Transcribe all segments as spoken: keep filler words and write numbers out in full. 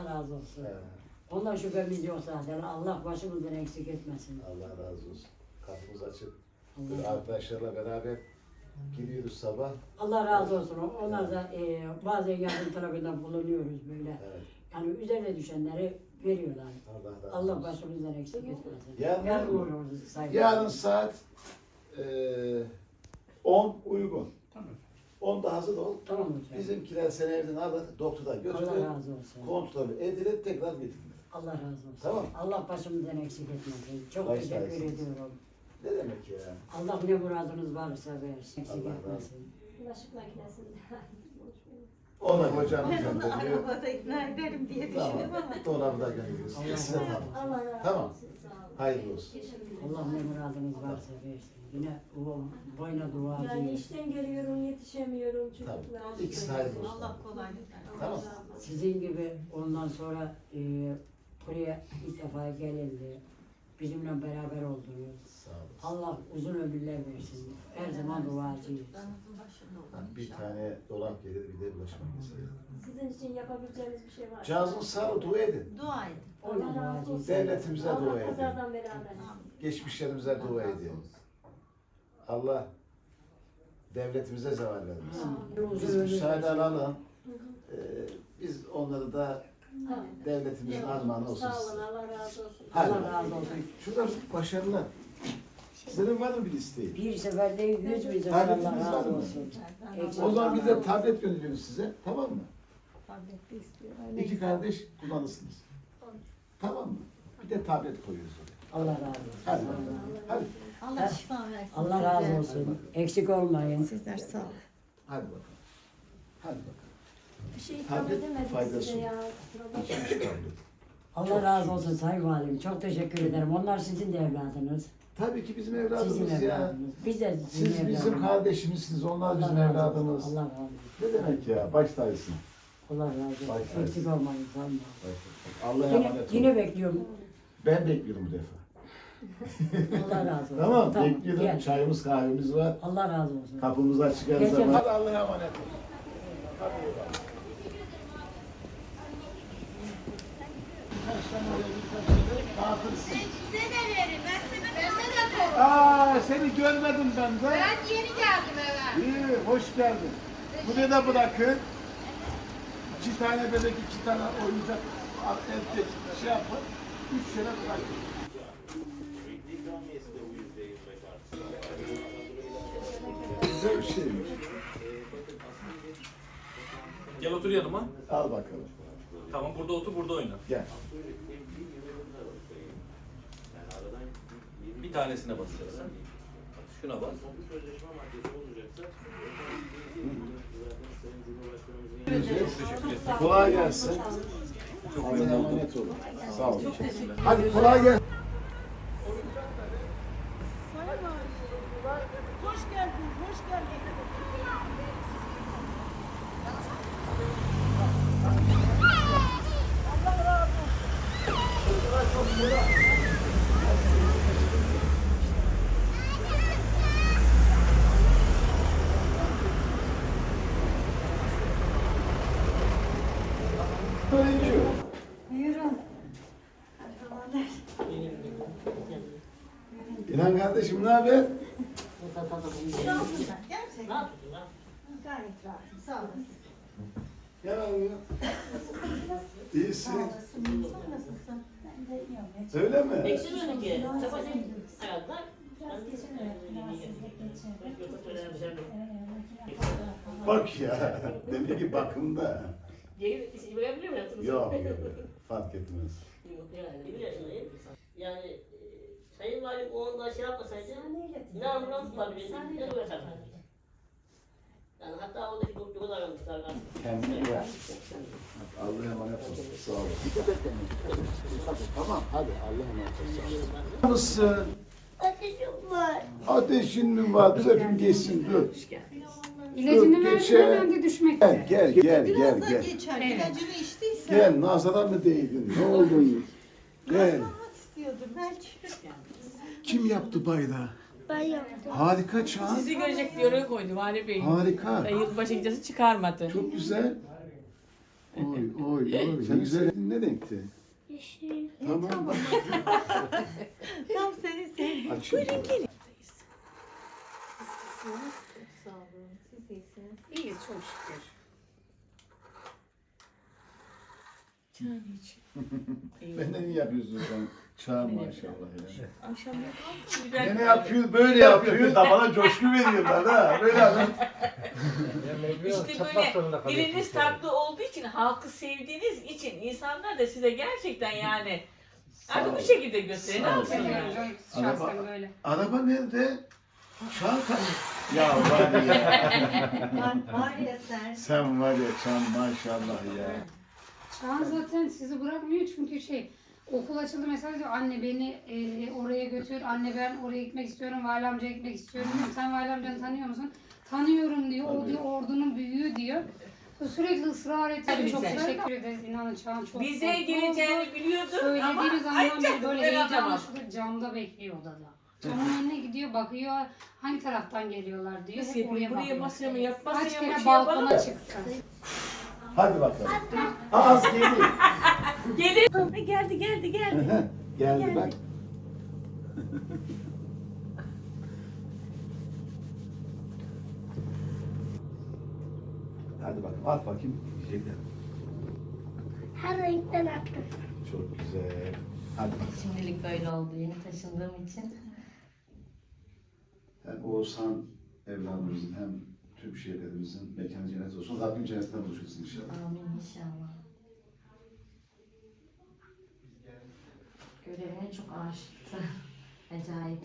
razı olsun. He. Ondan şüphemiz yok zaten. Allah başımızdan eksik etmesin. Allah razı olsun. Kapımız açık. Allah Böyle arkadaşlarla beraber gidiyoruz sabah. Allah razı olsun. Onlar da e, bazen yardım tarafından bulunuyoruz böyle. Evet. Yani üzerine düşenleri veriyorlar. Allah razı Allah olsun. başımızdan eksik etmesin. Yarın- Yarın uğurluyoruz saygı. Yarın saat eee on uygun. Tamam. onda hazır ol. Tamam hocam. Bizimkiler seni evden alır, doktora götürür. Allah razı olsun. Kontrol edilir, tekrar getirir. Allah razı olsun. Tamam. Allah başımızdan eksik etmesin. Çok Baş teşekkür tacısınız. ediyorum. Ne demek ya? Allah ne muradınız varsa versin. Eksik Allah razı etmesin. Bulaşık makinesinde. Ona hocam Ben onu gönderiyor. arabada ikna ederim diye Tamam. düşündüm ama. Dolabı da gönderiyoruz. Allah İkisi de razı tamam. Allah razı Tamam. olsun. Sağ olun. Hayırlı olsun. Teşekkür ederim. Allah ne muradınız varsa versin. Yine o boyuna Yani duacıyız. işten geliyorum, yetişemiyorum Tamam. çocuklar. İkisi hayırlı olsun. Allah kolaylık versin. Allah Tamam. razı olsun. Sizin gibi ondan sonra e, buraya ilk defa gelindi. Bizimle beraber oldunuz. Sağ olasın. Allah uzun ömürler versin. Her zaman duacıyız. Damızın başında olun Ha, bir inşallah. tane dolap gelir, bir de bulaşık makinesi. Sizin için yapabileceğimiz bir şey var. Cazın sağlığı dua edin. Dua edin. Oyna Allah razı duacıyız. olsun. Devletimize dua Allah edin. kazadan beraber. Geçmişlerimize dua edin. Allah devletimize zeval vermesin. Biz müsaade alalım. Ee, biz onları da devletimizin armağanı olsun. Sağ olun, Allah razı olsun. Hadi. Allah razı olsun. Şurada başarılar. Sizlerin var mı bir isteği? Bir seferde yüz milyon Tabletiniz Allah var razı mı? olsun. Eksik O zaman biz de olmayın. tablet gönderiyoruz size. Tamam mı? Tabletli istiyor. İki kardeş kullanırsınız. Tamam mı? Bir de tablet koyuyoruz oraya. Allah razı olsun. Hadi bakalım. Hadi. Allah şifa versin. Allah razı size. olsun. Eksik olmayın. Sizler sağ olun. Hadi bakalım. Hadi bakalım. Bir şey ikram Tablet edemedik faydası size ya. Kusura bakmayın. Allah razı olsun Sayın Valim. Çok teşekkür ederim. Onlar sizin de evladınız. Tabii ki bizim Sizin evladımız ya. evladınız. Biz de sizin Siz bizim evladınız. kardeşimizsiniz, onlar Allah bizim razı olsun. evladımız. Allah razı olsun. Ne demek ya? Baş tacısın. Allah razı olsun. Baş tacısın. Eksik olmayın. Sayın Valim. Allah'a Yine, emanet yine olun. bekliyorum. Ben bekliyorum bu defa. Allah razı olsun. Tamam, bekliyorum. Gel. Çayımız, kahvemiz var. Allah razı olsun. Kapımız açık her Gel, zaman. gel. Hadi Allah'a emanet olun. Hadi eyvallah. Size de verin. Ben sana bende de koy. Aa, seni görmedim ben de. Ben yeni geldim eve. İyi, hoş geldin. Buraya da bırakın. İki tane bebek, iki tane oyuncak erkek şey yapın. Üç tane bırakın. Güzel bir şeymiş. Gel otur yanıma. Al bakalım. Tamam burada otur burada oyna. Gel. Bir tanesine basacaksın. Şuna bas. Teşekkür ederim. Kolay gelsin. Çok Allah'a memnun oldum. emanet olun. Sağ olun. Hadi kolay gelsin. Hoş geldin, hoş geldin. Öğrenci. Buyurun. İnan kardeşim ne haber? Rahatım ben, gerçekten. Gayet rahatım, sağ olasın. Gel abi. İyisin. Sağ olasın. Sen nasılsın? Ben de iyiyim. Öyle mi? Biraz geçirdim. Rahatsızlık geçirdim. Bak ya. Demek ki bakımda. Geri verebilir miyim? Yok yok. Fark etmez. Bir yaşındayım. Yani e, Sayın Valim o anda şey yapmasaydı ne ambulans bulabilirdik ne de uğraşardık. Yani hatta oradaki doktoru da aramışlar. Kendine gel. Allah'a emanet olun. Sağ olun. Dikkat et kendine. Tamam hadi Allah'a emanet olun. Nasılsın? Ateşim var. Ateşin mi var? Dur öpüm geçsin dur. İlacını Dur, verdim geçe. hemen de düşmek Gel üzere. gel gel Biraz gel da gel. geçer. Evet. İlacını içtiysen. Gel nazara mı değdin? Ne oldun? Gel. Rastlamak istiyordur belki. Kim yaptı bayrağı? Ben yaptım. Harika Çağan. Sizi görecek diye oraya koydu Vali Bey. Harika. Ve yılbaşı gecesi çıkarmadı. Çok güzel. Oy oy oy. Sen güzel ne renkti? Yeşil. Tamam bak. Tam seni sevdim. Açayım. Sağ olun. Siz iyisiniz. İyiyiz çok şükür. Çay iç. Benden iyi yapıyorsun sen. Çağ maşallah ya. Akşam Ne ne yapıyor? Böyle yapıyor. Da bana coşku veriyorlar ha. Böyle adam. İşte böyle diliniz tatlı olduğu için, halkı sevdiğiniz için insanlar da size gerçekten yani artık bu şekilde gösterin. Ne Sağ ol. yapsın Seviyorum yani? canım şahsen böyle. Araba nerede? Çağ ka- Ya var ya. var, var ya sen. Sen var ya Çağ maşallah ya. Çağan zaten sizi bırakmıyor çünkü şey okul açıldı mesela diyor anne beni e, oraya götür, anne ben oraya gitmek istiyorum, Vali amcaya gitmek istiyorum diyorum. Sen Vali amcanı tanıyor musun? Tanıyorum diyor, o Tabii. diyor ordunun büyüğü diyor. Sürekli ısrar etti. Tabii Çok bize. teşekkür ederiz inanın Çağan çok Bize mutlu oldu. geleceğini biliyordum ama Söylediğimiz andan beri açacaktım böyle ben heyecanla anlamadım. şurada camda bekliyor odada. Camın önüne gidiyor, bakıyor hangi taraftan geliyorlar diyor. Nasıl Hep yapayım? oraya Buraya bakıyor. masaya mı yap, Kaç masaya mı kere şey yapalım? balkona çıktı. Hadi bakalım. Az geliyor. Gelin. Ha, geldi geldi geldi. Geldi bak. Hadi bakalım at bakayım. Yiyecekler. Her renkten attım. Çok güzel. Hadi bakalım. Şimdilik böyle oldu yeni taşındığım için. Hem Oğuzhan evladımızın hem tüm şehirlerimizin mekanı cennet olsun. Rabbim cennetten buluşursun inşallah. Amin inşallah. Görevine çok aşıktı. Acayip.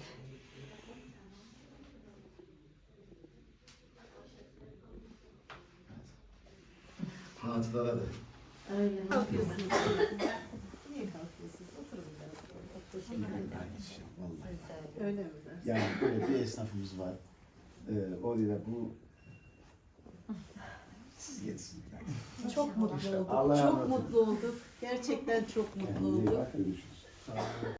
Hatılara da. Öyle mi? Niye kalkıyorsunuz? Oturun biraz. Vallahi. Öyle mi? Yani böyle bir esnafımız var. Ee, orada bu siz yetsin. Çok mutlu olduk. Allah'a Çok emanet olun. mutlu olduk. Gerçekten çok mutlu Kendinize iyi olduk. bak, görüşürüz.